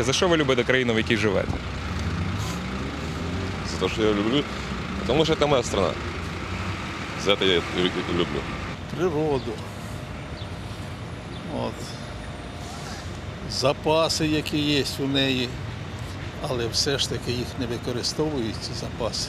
За що ви любите країну, в якій живете? За то, что я люблю, потому что это моя страна. За это я и люблю. Природу. От. Запаси, які є у неї, але все ж таки їх не використовують, ці запаси.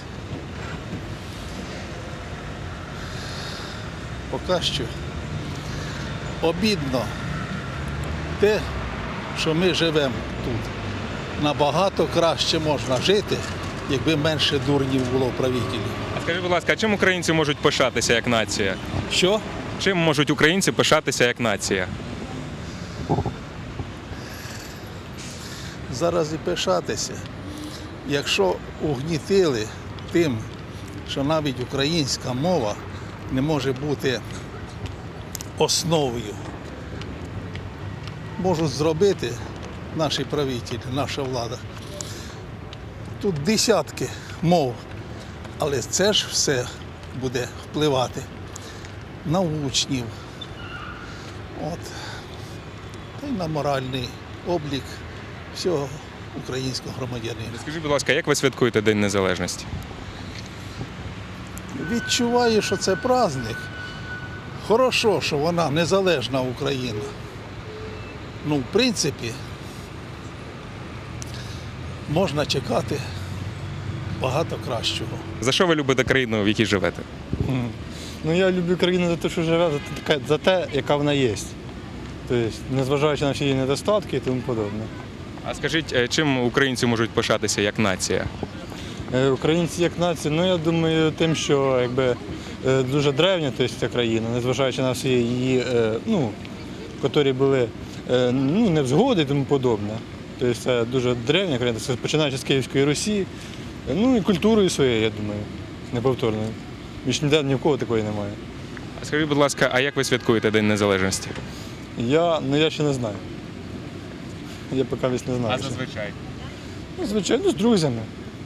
Поки що обідно те, що ми живемо тут. Набагато краще можна жити, якби менше дурнів було в правителі. А скажіть, будь ласка, а чим українці можуть пишатися як нація? Що? Чим можуть українці пишатися як нація? Зараз і пишатися. Якщо угнітили тим, що навіть українська мова не може бути основою, можуть зробити наші правителі, наша влада. Тут десятки мов, але це ж все буде впливати на учнів, та й на моральний облік всього українського громадянина. Скажіть, будь ласка, як ви святкуєте День Незалежності? Відчуваю, що це праздник. Хорошо, що вона незалежна Україна. Ну, в принципі, можна чекати багато кращого. За що ви любите країну, в якій живете? Ну, я люблю країну за те, що живе, за те, яка вона є. Тобто, незважаючи на всі її недостатки і тому подобне. А скажіть, чим українці можуть пишатися як нація? Українці як нація, ну я думаю, тим, що якби дуже древня, тобто, ця країна, незважаючи на всі її, які були невзгоди і тому подобне. Тобто це дуже древня країна, це починаючи з Київської Русі, ну і культурою своєю, я думаю, неповторною. Більш ніде ні в кого такої немає. А скажіть, будь ласка, а як ви святкуєте День Незалежності? Я ще не знаю. Я поки не знаю. А ще. зазвичай? Ну, звичайно, з друзями.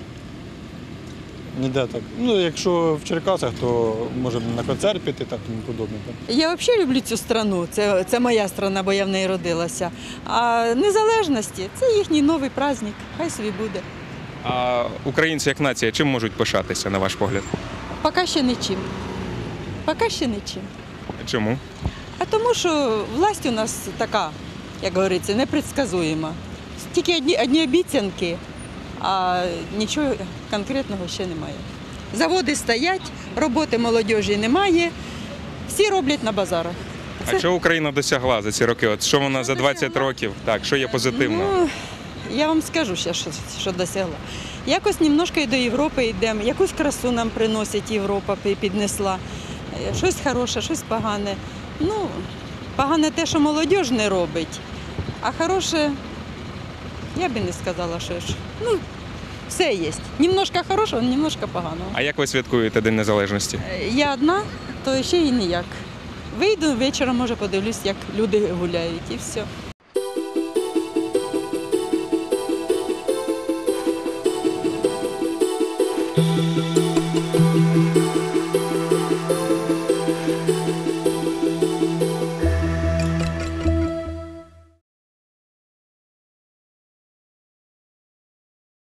Ніде так. Ну, якщо в Черкасах, то може на концерт піти, так тому подобне. Так. Я взагалі люблю цю страну, це моя страна, бо я в неї родилася. А незалежності – це їхній новий праздник, хай собі буде. А українці як нація чим можуть пишатися, на ваш погляд? Поки ще нічим. Поки ще нічим. Чому? А тому що власть у нас така, як говориться, непредсказуема. Тільки одні обіцянки, а нічого конкретного ще немає. Заводи стоять, роботи молодіжі немає, всі роблять на базарах. А що Україна досягла за ці роки? От що вона за 20 років? Так, що є позитивного? Ну, я вам скажу ще, що досягла. Якось немножко і до Європи йдемо, якусь красу нам приносить Європа, піднесла. Щось хороше, щось погане. Ну, погане те, що молодіж не робить, а хороше, я би не сказала, що ж. Ну, все є. Немножко хорошого, немножко поганого. А як ви святкуєте День Незалежності? Я одна, то ще і ніяк. Вийду вечором, може, подивлюсь, як люди гуляють, і все.